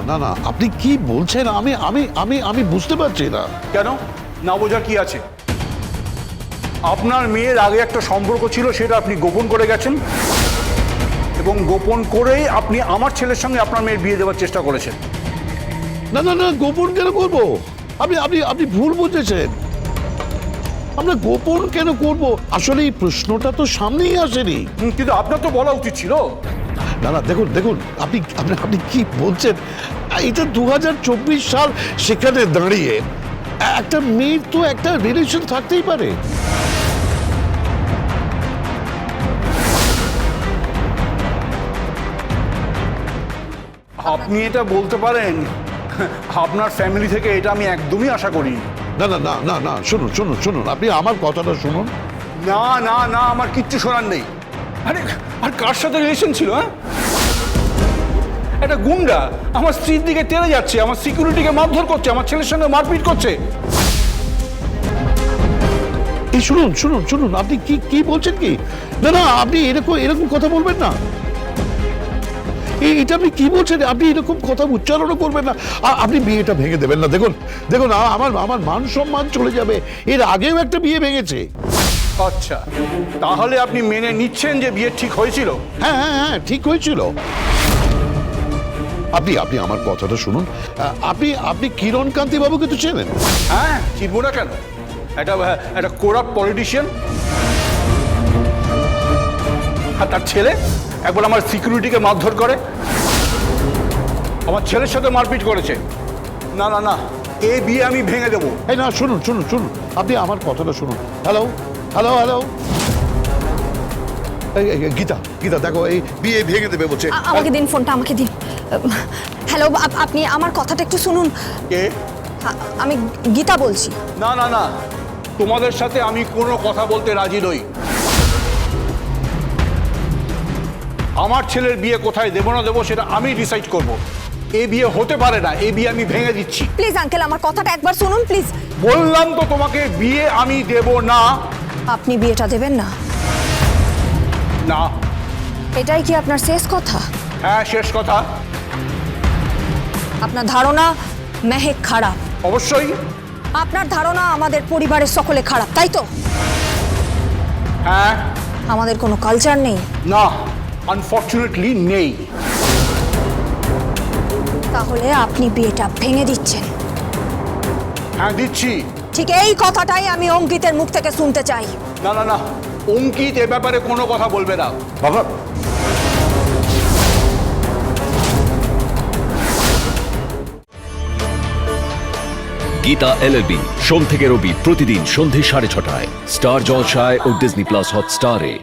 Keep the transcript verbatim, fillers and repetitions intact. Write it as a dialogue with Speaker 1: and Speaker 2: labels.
Speaker 1: না না আপনি কি বলছেন আমি আমি আমি আমি বুঝতে পারছি না।
Speaker 2: কেন না বোঝার কি আছে? আপনার মেয়ের আগে একটা সম্পর্ক ছিল, সেটা আপনি গোপন করে গেছেন, এবং গোপন করেই আপনি আমার ছেলের সঙ্গে আপনার মেয়ের বিয়ে দেওয়ার চেষ্টা করেছেন।
Speaker 1: না না না গোপন কেন করবো? আপনি আপনি আপনি ভুল বুঝেছেন। আমরা গোপন কেন করব? আসলে এই প্রশ্নটা তো সামনেই আসেনি।
Speaker 2: হুম, কিন্তু আপনার তো বলা উচিত ছিল।
Speaker 1: না না দেখুন দেখুন আপনি আপনি আপনি কি বলছেন? এটা দু হাজার চব্বিশ সাল, সেখানে দাঁড়িয়ে একটা মেয়ের তো একটা রিলেশন থাকতেই পারে।
Speaker 2: আপনি এটা বলতে পারেন, আপনার ফ্যামিলি থেকে এটা আমি একদমই আশা করি।
Speaker 1: না না না না না শুনুন শুনুন শুনুন আপনি আমার কথাটা শুনুন।
Speaker 2: না না না আমার কিচ্ছু শোনার নেই। আরে আর কার সাথে রিলেশন ছিল? হ্যাঁ, একটা গুন্ডা আমার স্ত্রীর দিকে টেনে যাচ্ছে, আমার সিকিউরিটিকে মারধর করছে, আমার ছেলের সঙ্গে মারপিট করছে।
Speaker 1: এই শুনুন শুনুন শুনুন আপনি কি কি বলছেন কি? না না আপনি এরকম এরকম কথা বলবেন না। এই এটা আপনি কি বলছেন? আপনি এরকম কথা উচ্চারণও করবেন না। আ- আপনি বিয়েটা ভেঙে দেবেন না। দেখুন দেখুন আ- আমার আমার মান সম্মান চলে যাবে। এর আগেও একটা বিয়ে ভেঙেছে।
Speaker 2: আচ্ছা, তাহলে আপনি মেনে নিচ্ছেন যে বিয়ে ঠিক হয়েছিল?
Speaker 1: হ্যাঁ হ্যাঁ হ্যাঁ ঠিক হয়েছিল। আপনি আপনি আমার কথাটা শুনুন। আ, আপনি আপনি কিরণ কান্তি বাবুকে তো চেনেন?
Speaker 2: হ্যাঁ, চিনবো না কেন? একটা একটা কোরাপ্ট পলিটিশিয়ান, আর তার ছেলে একবার আমার সিকিউরিটিকে মারধর করে, আমার ছেলের সাথে মারপিট করেছে। না না না, এই বিয়ে আমি ভেঙে দেবো।
Speaker 1: এই না শুনুন শুনুন শুনুন আপনি আমার কথাটা শুনুন। হ্যালো হ্যালো হ্যালো এই, এই, এই, গীতা গীতা দেখো এই বিয়ে ভেঙে দেবে বলছে।
Speaker 3: আ- আমাকে দিন ফোনটা, আমাকে দিন। হ্যালো, আপ- আপনি আমার কথাটা একটু শুনুন।
Speaker 2: কে?
Speaker 3: আ- আমি গীতা বলছি।
Speaker 2: না না না, তোমাদের সাথে আমি কোনো কথা বলতে রাজি নই। আমার ছেলের বিয়ে কোথায় দেবো না দেবো সেটা আমি ডিসাইড করব। এই বিয়ে হতে পারে না, এই বিয়ে আমি ভেঙে দিচ্ছি।
Speaker 3: প্লিজ আঙ্কেল, আমার কথাটা একবার শুনুন প্লিজ।
Speaker 2: বললাম তো তোমাকে, বিয়ে আমি দেব না।
Speaker 3: আপনি বিয়েটা দেবেন না?
Speaker 2: না।
Speaker 3: এটাই কি আপনার শেষ কথা?
Speaker 2: হ্যাঁ, শেষ কথা।
Speaker 3: আপনার ধারণা মেহেক খারাপ?
Speaker 2: অবশ্যই।
Speaker 3: আপনার ধারণা আমাদের পরিবারের সকলে খারাপ, তাই তো?
Speaker 2: হ্যাঁ।
Speaker 3: আমাদের কোনো কালচার নেই?
Speaker 2: না, আনফর্চুনেটলি নেই।
Speaker 3: তাহলে আপনি বিয়েটা ভেঙে দিচ্ছেন?
Speaker 2: হ্যাঁ, দিচ্ছি।
Speaker 3: ঠিক এই কথাটাই আমি অঙ্কিতের মুখ থেকে শুনতে চাই।
Speaker 2: না না না, অঙ্কিত এ ব্যাপারে কোনো কথা বলবে না।
Speaker 1: বাবা
Speaker 4: গীতা এলএলবি সোম থেকে রবি প্রতিদিন সন্ধে সাড়ে ছটায় স্টার জলসায় ও ডিজনি প্লাস হটস্টারে।